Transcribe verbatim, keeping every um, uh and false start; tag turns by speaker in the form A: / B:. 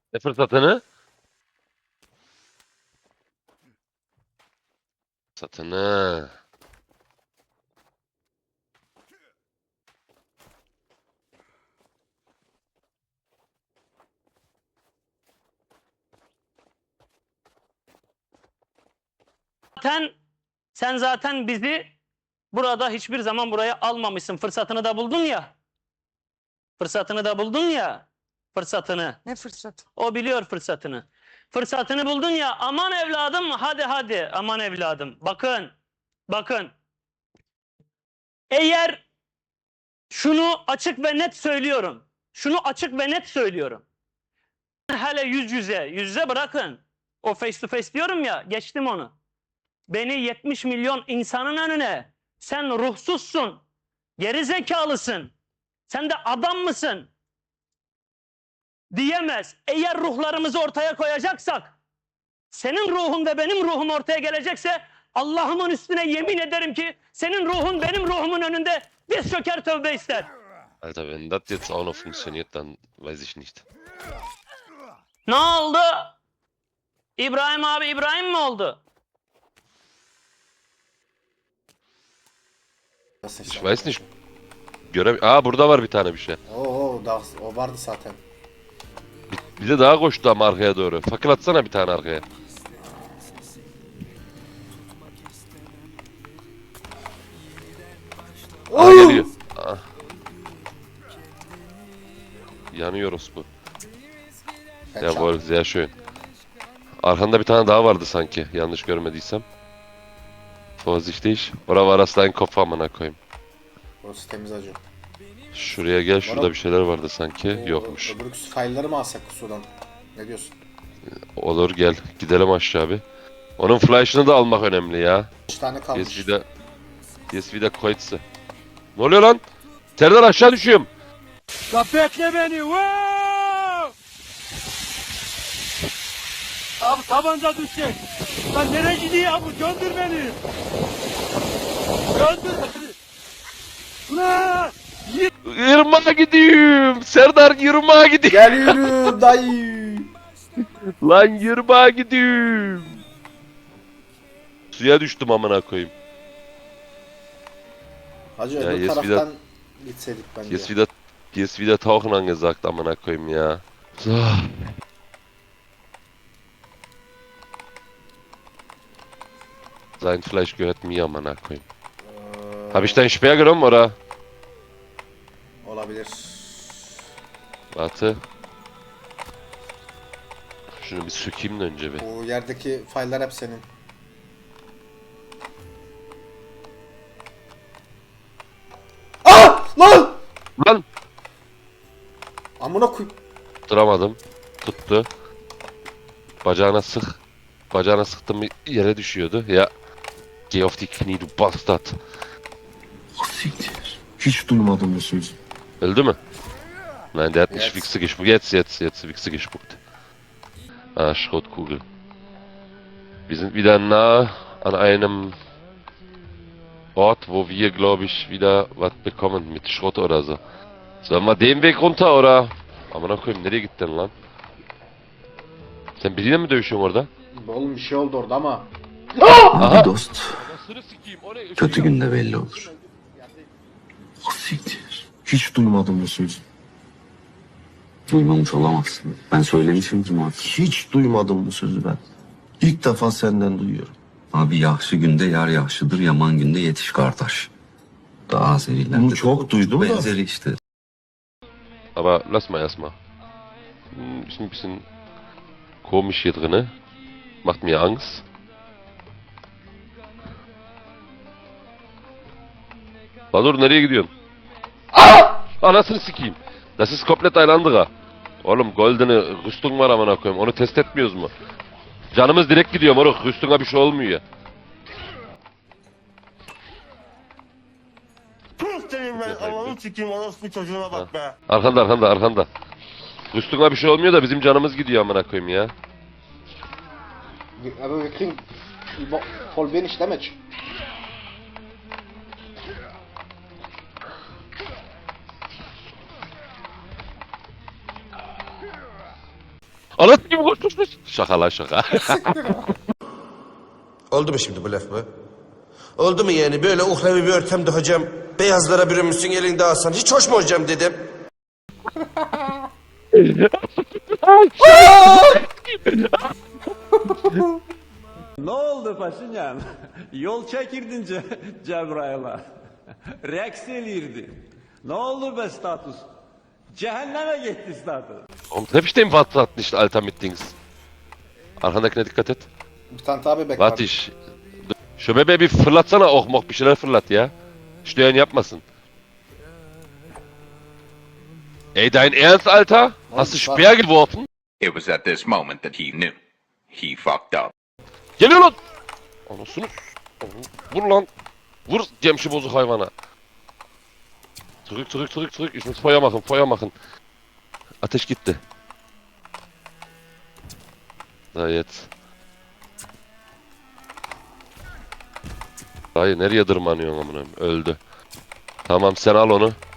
A: Ne fırsatını? Satını.
B: Zaten sen zaten bizi burada hiçbir zaman buraya almamışsın. Fırsatını da buldun ya. Fırsatını da buldun ya. Fırsatını.
C: Ne fırsat?
B: O biliyor fırsatını. Fırsatını buldun ya. Aman evladım, hadi hadi. Aman evladım. Bakın. Bakın. Eğer şunu açık ve net söylüyorum. Şunu açık ve net söylüyorum. Hele yüz yüze, yüz yüze bırakın. O face to face diyorum ya, geçtim onu. Beni yetmiş milyon insanın önüne, sen ruhsuzsun, geri zekalısın, sen de adam mısın diyemez. Eğer ruhlarımızı ortaya koyacaksak, senin ruhun ve benim ruhum ortaya gelecekse, Allah'ımın üstüne yemin ederim ki senin ruhun benim ruhumun önünde diz çöker, tövbe ister.
A: Alter, wenn das jetzt auch noch funktioniert, dann weiß ich nicht.
B: Ne oldu? İbrahim abi İbrahim mi oldu?
C: Nasıl
A: Ich
C: sen?
A: weiß nicht. Göre Aa, burada var bir tane bir şey.
C: Oo, o, da, o vardı zaten.
A: Bir de daha koştu ama arkaya doğru. Fakir atsana bir tane arkaya. Aa, geliyor. Aa. Yanıyoruz bu.
C: Headshot.
A: Jawohl, sehr schön. Arkanda bir tane daha vardı sanki. Yanlış görmediysem. Vorsichtig. Oder war das dein Kopf amına koyayım?
C: Burası temiz acı.
A: Şuraya gel, şurada bir şeyler vardı sanki.
C: O-
A: Yokmuş.
C: Öbür file'ları mı alsak sudan? Ne diyorsun?
A: Olur, gel. Gidelim aşağı bir. Onun flash'ını da almak önemli ya.
C: üç tane kalmış.
A: Yes wieder. Yes wieder Kreuze. Ne oluyor lan? Serdar, aşağı düşüyorum.
D: La bekle beni. Wow! Abi tabanca düşecek. Lan nereye gidiyor abi? Göndür beni. Göndür beni. Ulan!
A: Yırmağa gidiyorum. Serdar, yırmağa gidiyorum.
C: Geliyorum dayı.
A: Lan yırmağa gidiyorum. Suya düştüm amına koyayım.
C: Hacı
A: Ya,
C: öbür
A: yes,
C: taraftan gitseydik bence.
A: Jetzt wieder, jetzt wieder tauchen angesagt amına koyayım ya. So. Sein Fleisch gehört mir amına koyayım.
C: Ee,
A: Hab ich deinen Speer genommen oder?
C: Olabilir.
A: Warte. Şunu bir sökeyim de önce bir.
C: Bu yerdeki file'lar hep senin. Ah! Lan!
A: Lan!
C: Amına koy...
A: Duramadım. Tuttu. Bacağına sık. Bacağına sıktım, yere düşüyordu. Ya. Geh auf die Knie, du Bastard.
E: Siktir. Hiç duymadım bu sözü.
A: Öldü mü? Nein, der hat nicht
C: Jetzt.
A: Wichse gespuckt. Jetzt, jetzt, jetzt Wichse gespuckt. Ah, Schrottkugel. Wir sind wieder nah an einem Ort, wo wir, glaube ich, wieder was bekommen mit Schrott oder so. Sollen wir den Weg runter oder? Amına koyayım, nereye gittin lan? Sen biriyle mi dövüşüyorsun orada?
C: Oğlum bir şey oldu orada ama.
E: Abi dost, kötü günde belli olur. Siktir. Hiç duymadım bu sözü. Duymamış olamazsın. Ben söylemişimdir muhakkak. Hiç duymadım bu sözü ben. İlk defa senden duyuyorum. Abi yaxşı günde yar yaxşıdır, yaman günde yetiş kardeş. Daha Azerilerde
F: Bunu çok duydum da.
E: benzeri işte.
A: Aber lass mal erstmal. Hm, Ist ein bisschen komisch hier drinne. Macht mir Angst. Baldur, nereye gidiyorsun? Aa! Anasını sikeyim. Das ist komplett ein anderer. Oğlum, goldene Rüstung var amına koyayım. Onu test etmiyoruz mu? Canımız direkt gidiyor moruk. Rüstung'a bir şey olmuyor ya.
D: Puh senin ben Allah'ını sikeyim orospu çocuğuna bak be.
A: Arkanda, arkanda, arkanda. Rüstung'a bir şey olmuyor da bizim canımız gidiyor amına koyayım ya.
C: Aber wir kriegen voll wenig damage.
A: Anlat gibi koş koş koş. Şaka lan şaka.
F: Oldu mu şimdi bu laf mı? Oldu mu yani böyle uhrevi bir ortamda hocam beyazlara bürünmüşsün elinde alsan hiç hoş mu hocam dedim.
D: Ne oldu Paşinyan? Yol çekirdin Ce Cebrail'a. Reks elirdi. Ne oldu be status? Cehenneme gitti status.
A: Oğlum hep işte mi Watt attın işte Ultimate Things. Arkandakine dikkat et.
C: Bir tane daha bebek var.
A: Watt iş. Şu bebeği bir fırlatsana ok mok bir şeyler fırlat ya. Steuern yapmasın. Ey dein Ernst Alter? Hast du
C: was?
A: Speer geworfen?
G: It was at this moment that he knew. He fucked up.
A: Geliyor lan! Anasını s- Vur lan! Vur Cemşi bozuk hayvana. Zurück, zurück, zurück, zurück. Ich muss Feuer machen, Feuer machen. Ateş gitti. Da jetzt. Dayı nereye tırmanıyorsun amına? Öldü. Tamam sen al onu.